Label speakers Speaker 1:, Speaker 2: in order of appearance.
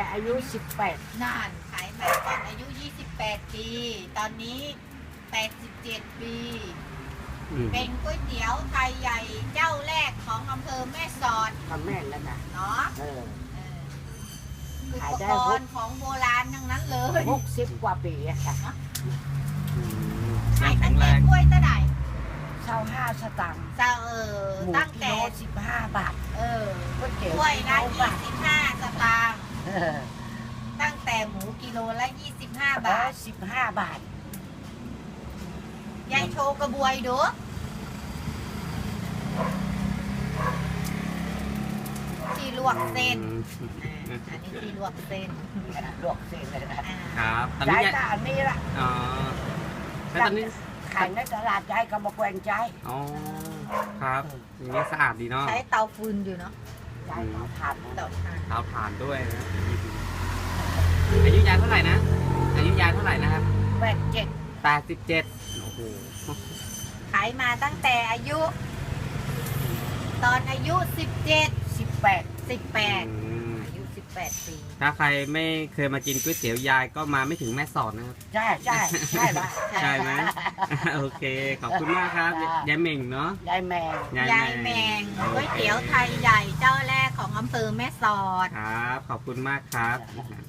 Speaker 1: อายุ18
Speaker 2: นานขายมาตอนอายุ28ปีตอนนี้87ปีเป็นก๋วยเตี๋ยวไทยใหญ่เจ้าแรกของอำเภอแม่สอด
Speaker 1: ทำแม่นแล้วนะ
Speaker 2: เนาะอุปกรณ์ของโบราณทั้งนั้นเลย
Speaker 1: 60 กว่าปีอะค่ะ
Speaker 2: ขายตั้งแต่กล้วยตะได
Speaker 1: 25 สตางค์
Speaker 2: ตั้งแต่
Speaker 1: 15 บาทก๋วยเตี๋ยว
Speaker 2: กล้วยละ25 สตางค์ตั้งแต่หมูกิโลละ25 บาท
Speaker 1: 15 บาท
Speaker 2: ยายโชว์กระบวยดูที่ลวกเส้นอันนี้ที่ลวกเส้น
Speaker 1: ลวกเส้นเลย
Speaker 3: นะครับตอน
Speaker 1: นี้
Speaker 3: ยาย
Speaker 1: อันนี้ละ
Speaker 3: แล้วตอนนี้
Speaker 1: ขายในตลาดยายก็มาแกว่งใจ
Speaker 3: อ๋อครับอย่างนี้สะอาดดีเนาะ
Speaker 2: ใช้เตาฟืนอยู่เนาะ
Speaker 1: ยายเตาถ่าน
Speaker 3: เตาถ่านด้วยนะอายุยายเท่าไหร่นะอายุยายเท่าไหร่นะครับ87โอ้โห
Speaker 2: ขายมาตั้งแต่อายุตอนอายุ18อายุ18ปี
Speaker 3: ถ้าใครไม่เคยมากินก๋วยเตี๋ยวยายก็มาไม่ถึงแม่สอดนะครับ
Speaker 1: ใช่ใช่
Speaker 3: ไหมโอเคขอบคุณมากครับยายเม่งเนาะ
Speaker 1: ยายแม
Speaker 2: งก๋วยเตี๋ยวไทยใหญ่เจ้าแรกของอำเภอแม่สอด
Speaker 3: ครับขอบคุณมากครับ